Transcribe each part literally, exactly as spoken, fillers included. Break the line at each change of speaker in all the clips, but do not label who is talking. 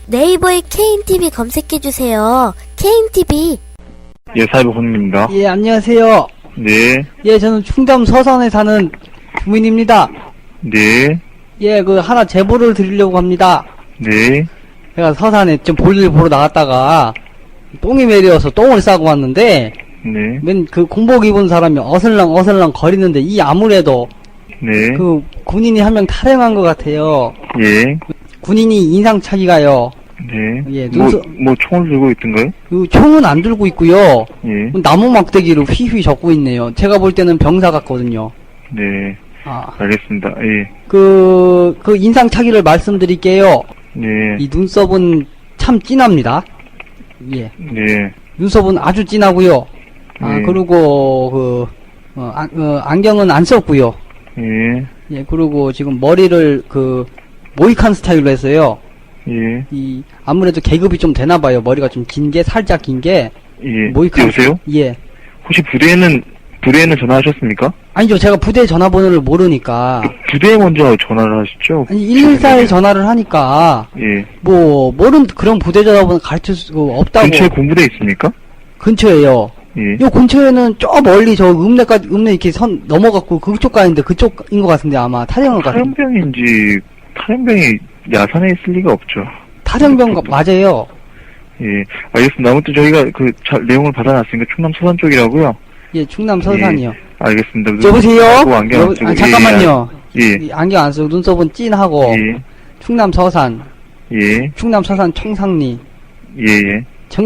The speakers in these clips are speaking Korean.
네이버에 케이엔티비 검색해주세요. 케이엔티비.
예, 사이버 권입니다.
예, 안녕하세요.
네,
예, 저는 충남 서산에 사는 주민입니다.
네,
예, 그 하나 제보를 드리려고 합니다.
네,
제가 서산에 좀 볼일 보러 나갔다가 똥이 매려서 똥을 싸고 왔는데
네,
맨 그 공복 입은 사람이 어슬렁 어슬렁 거리는데 이 아무래도
네,
그 군인이 한 명 탈영한 것 같아요.
예,
군인이 인상착의가요.
네.
예,
뭐,
눈썹-
뭐 총을 들고 있던가요?
그 총은 안 들고 있고요.
예,
나무 막대기로 휘휘 적고 있네요. 제가 볼 때는 병사 같거든요.
네,
아,
알겠습니다. 예,
그, 그 인상착의를 말씀드릴게요.
네,
이 눈썹은 참 진합니다. 예.
네,
눈썹은 아주 진하고요. 아,
네.
그리고 그 어, 아, 어, 안경은 안 썼고요.
예,
예, 그리고 지금 머리를 그 모이칸 스타일로 했어요.
예,
이 아무래도 계급이 좀 되나 봐요. 머리가 좀 긴 게 살짝 긴 게
예.
모이칸.
여보세요?
예.
혹시 부대에는, 부대에는 전화하셨습니까?
아니죠. 제가 부대 전화번호를 모르니까.
부대에 먼저 전화를 하시죠?
아니 일일사에 전화를 하니까
예.
뭐 모르는 그런 부대 전화번호 가르칠 수 없다고.
근처에 군부대 있습니까?
근처에요.
예.
요 근처에는 저 멀리 저 읍내까지 읍내 이렇게 선 넘어갔고 그쪽 가는데 그쪽인 것 같은데 아마 탈영을 같은.
탈영병인지, 탈영병이 야산에 있을 리가 없죠.
탈영병 가- 맞아요.
예, 알겠습니다. 아무튼 저희가 그 자, 내용을 받아놨으니까 충남 서산 쪽이라고요.
예, 충남 서산이요.
알겠습니다.
여보세요?
하고 안경 안
여보-
쓰고,
아, 잠깐만요.
예,
이 안경 안 쓰고 눈썹은 찐하고
예,
충남 서산,
예,
충남 서산 청상리,
예, 예,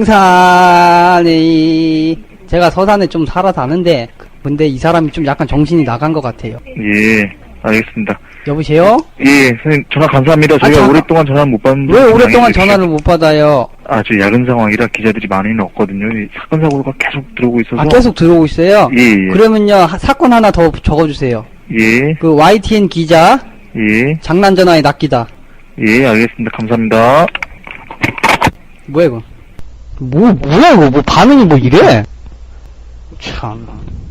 청산이 제가 서산에 좀 살아서 아는데 근데 이 사람이 좀 약간 정신이 나간 것 같아요.
예, 알겠습니다.
여보세요?
예, 선생님 전화 감사합니다. 저희가
잠깐-
오랫동안 전화 못 받는데
왜 오랫동안
다행히
전화를 못 받아요?
아, 저 야근 상황이라 기자들이 많이는 없거든요. 이 사건 사고가 계속 들어오고 있어서.
아, 계속 들어오고 있어요?
예, 예,
그러면요, 하- 사건 하나 더 적어주세요.
예,
그 와이티엔 기자,
예,
장난 전화에 낚이다.
예, 알겠습니다. 감사합니다.
뭐야, 이거? 뭐, 뭐야, 이거? 뭐, 반응이 뭐 이래? 참.